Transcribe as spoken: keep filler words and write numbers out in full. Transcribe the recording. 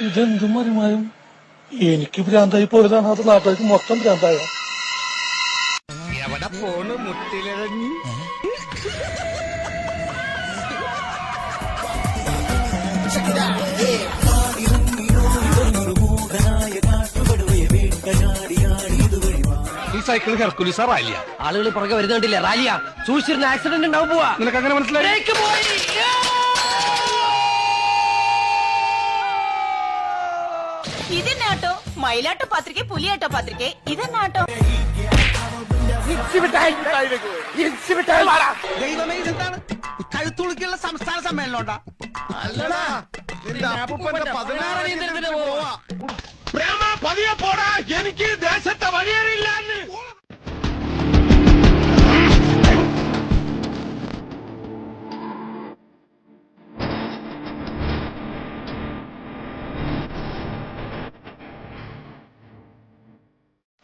ഇതെന്തും മറിമായും എനിക്ക് ഭ്രാന്തായി പോയതാണ്, അത് നാട്ടുകാർക്ക് മൊത്തം ഭ്രാന്തായ. എവിടെ പോണ് മുട്ടിലിറങ്ങി? ഈ സൈക്കിൾ ഹെർക്കുലിസാ റാലിയ? ആളുകൾ പുറകെ വരുന്നുണ്ടില്ല. റാലിയ സൂക്ഷിച്ചിരുന്ന ആക്സിഡന്റ് ഉണ്ടാവും. പോവാ. നിനക്ക് അങ്ങനെ മനസ്സിലായി? ഇതെന്നാട്ടോ മയിലാട്ടോ പത്രിക, പുലിയാട്ടോ പത്രിക, ഇതെന്നാട്ടോ? ദൈവമേ, ഇതെന്താണ്? കഴുത്തുളുക്കിയുള്ള സംസ്ഥാന സമ്മേളനം ഉണ്ടാ? പതിനാറ് പതിയെ പോടാ, എനിക്ക്